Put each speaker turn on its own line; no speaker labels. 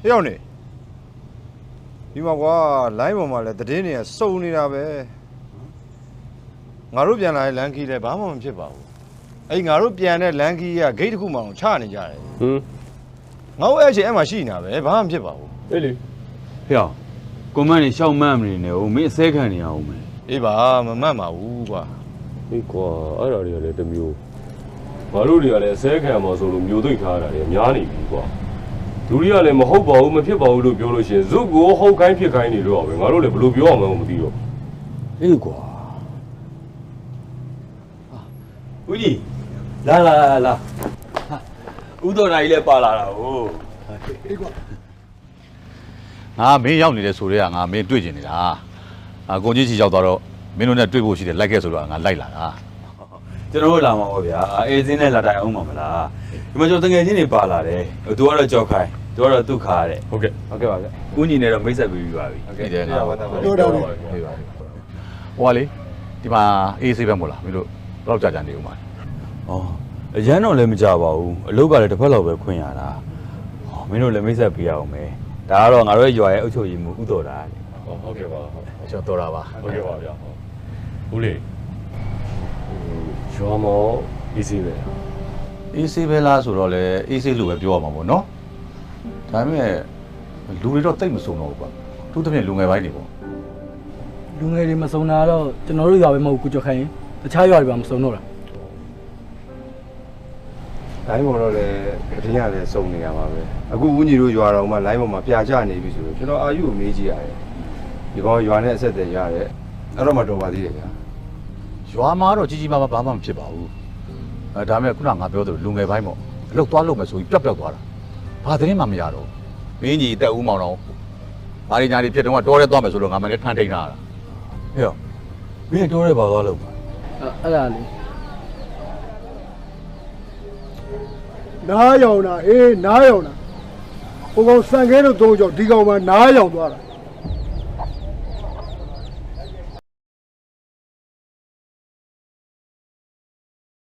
ရောက်နေဒီမှာကွာလိုင်းပေါ်မှာလည်းသတင်းတွေကစုံနေတာပဲငါတို့ပြန်လာတဲ့လန်ကီလည်းဘာမှမဖြစ်ပါဘူးအဲ့ငါတို့ပြန်တဲ့လန်ကီကဂိတ်တစ်ခုမှအောင်ချနေကြတယ်ငါတို့အဲ့ချိန်အဲ့မှာရှိနေတာပဲဘာမှမဖြစ်ပါဘူး
အေးလေဟေ့ကွန်မန့်နေရှောက်မှန်းမနေနဲ့ဦးမင်းအစဲခံနေရအောင်မယ်
အေးပါမမှတ်ပါဘူးကွာ
အေးကွာအဲ့ဒါတွေကလည်းတစ်မျိုးငါတို့တွေကလည်းအစဲခံမှာဆိုလို့မျိုးသိမ့်ထားတာတွေများနေပြီကွာလူတွေကလည်းမဟုတ်ပါဘူးမဖြစ်ပါဘူးလို့ပြောလို့ရှိရင်ဇုတ်ကိုဟုတ်ခိုင်းဖြစ်ခိုင်းနေလို့ပဲငါတို့လည်းဘယ်လိုပြောအောင်မသိတော့
အေးကွာဦးကြီးလာဦးတော်နိုင်လည်းပါလာတာဟုတ်
အေးကွာ
ငါမင်းရောက်နေတဲ့ဆိုတော့ငါမင်းတွေ့ကျင်နေတာကိုကြီးချီရောက်သွားတော့မင်းတို့နဲ့တွေ့ဖို့ရှိတယ်လိုက်ခဲ့ဆိုတော့ငါလိုက်လာတာ
ကျွန်တော်တို့လာမှာပေါ့ဗျာအေးစင်းနဲ့လာတိုင်အောင်မှာမလားဒီမှာကျွန်တော်တငယ်ချင်းတွေပါလာတယ်သူကတော့ကြောက်ခိုင်းသူကတော့ဒုက္ခတဲ့
ဟုတ်ကဲ့ပါဗျ
ဦးညီနဲ့တော့မိတ်ဆက်ပြီးပါပြီ
ဟုတ်ကဲ့ငါ
ပြောတော့
ဟိုကလေဒီမှာအေးဆေးပဲမို့လားမင်းတို့ဘယ်တော့ကြာနေဦးမှာ
ဩအရန်တော့လည်းမကြပါဘူးအလုပ်ကလည်းတစ်ဖက်လောက်ပဲခွင့်ရတာမင်းတို့လည်းမိတ်ဆက်ပေးရအောင်မယ်ဒါကတော့ငါတို့ရွာရဲ့အုပ်ချုပ်ရေးမှူးဥတော်တာလေ
ဟုတ်ကဲ့ပါ
ကျွန်တော်တော်တာပါ
ဟုတ်ကဲ့ပါဗျာဦးလေးရွာမောအေးဆေးပဲ
အေးဆေးပဲလားဆိုတော့လေအေးဆေးလို့ပဲပြောရမှာပေါ့နော်ဒါပေမဲ့လူတွေတော့တိတ်မစုံတော့ဘူးကွာသူတပြည့်လူငယ်ပိုင်းတွေပေါ့
လူငယ်တွေမစုံတာတော့ကျွန်တော်တို့ရွာပဲမဟုတ်ကိုကြခိုင်းတခြားရွာတွေပါမစုံတော့တာ
လိုင်းပေါ်တော့လည်းသတင်းရလည်းစုံနေရမှာပဲအခုဦးညီတို့ရွာတော်မှာလိုင်းပေါ်မှာပြာကျနေပြီဆိုတော့ကျွန်တော်အာယူကိုမေးကြည့်ရတယ်ဒီကောင်ရွာနဲ့အဆက်အသွယ်ရတယ်အဲ့တော့မှတော်ပါသေးတယ်ဗျာ
ရွာမှာတော့ကြီးကြီးမားမားဘာမှမဖြစ်ပါဘူးဒါပေမဲ့ခုနကငါပြောသလိုလူငယ်ပိုင်းပေါ့အလုပ်သွားလုပ်မယ်ဆိုပြီးပျောက်သွားတာဘာသတင်းမှမရတော့မင်းကြီးတက်ဦးမောင်တော့ဘာတွေညာတွေဖြစ်တော့တော့ရဲသွားမယ်ဆိုတော့ငါမလည်းထန်ထိန်လာတာ
ဟေ့မင်းတော့ရဲပါသွားလို့
အဲ့ဒါလေနားယောင်တာနားယောင်တာဟိုကောင်စံခဲတို့သုံးကြောင့်ဒီကောင်မှနားယောင်သွားတာ